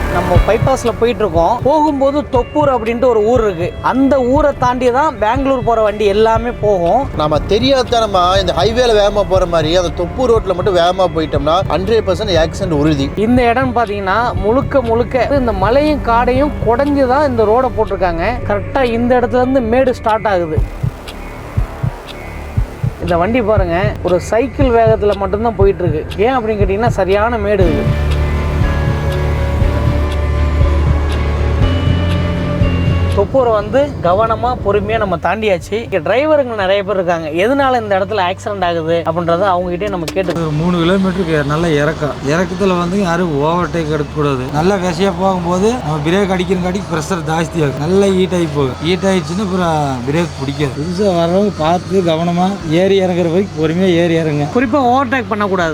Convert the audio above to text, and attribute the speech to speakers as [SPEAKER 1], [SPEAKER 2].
[SPEAKER 1] நம்ம பைபாஸ்ல போயிட்டு இருக்கோம். போகும்போது தொப்பூர் அப்படின்ட்டு ஒரு ஊர் இருக்கு. அந்த ஊரை தாண்டி தான் பெங்களூர் போற வண்டி எல்லாமே போகும்.
[SPEAKER 2] நம்ம தெரியாதனமா இந்த ஹைவேல வேகமா போற மாதிரி அந்த தொப்பூர் ரோட்ல மட்டும் வேகமா போயிட்டோம்னா 100% ஆக்சிடென்ட் உறுதி.
[SPEAKER 1] இந்த இடம் பாத்தீங்கன்னா முழுக்க இந்த மலையும் காடையும் குடைஞ்சு தான் இந்த ரோட போட்டிருக்காங்க. கரெக்டா இந்த இடத்துல இருந்து மேடு ஸ்டார்ட் ஆகுது. இந்த வண்டி பாருங்க, ஒரு சைக்கிள் வேகத்துல மட்டும்தான் போயிட்டு இருக்கு. ஏன் அப்படின்னு கேட்டீங்கன்னா சரியான மேடு இது. தொப்பூரை வந்து கவனமாக பொறுமையாக நம்ம தாண்டியாச்சு. இங்கே டிரைவருங்க நிறைய பேர் இருக்காங்க. எதனால இந்த இடத்துல ஆக்சிடென்ட் ஆகுது அப்படின்றத அவங்ககிட்டே நம்ம கேட்டு.
[SPEAKER 3] ஒரு 3 கிலோமீட்டருக்கு நல்ல இறக்கத்தில் வந்து யாரும் ஓவர்டேக் எடுக்கக்கூடாது. நல்லா விசையாக போகும்போது நம்ம பிரேக் அடிக்கிறங்காட்டி ப்ரெஷர் ஜாஸ்தி ஆகும். நல்லா ஹீட் ஆகி போகும். ஹீட் ஆகிடுச்சுன்னா அப்புறம் பிரேக் பிடிக்காது. புதுசாக வர்றவங்க பார்த்து கவனமாக ஏறி இறங்குற வரைக்கும் பொறுமையாக ஏறி இறங்க.
[SPEAKER 1] குறிப்பாக ஓவர்டேக் பண்ணக்கூடாது.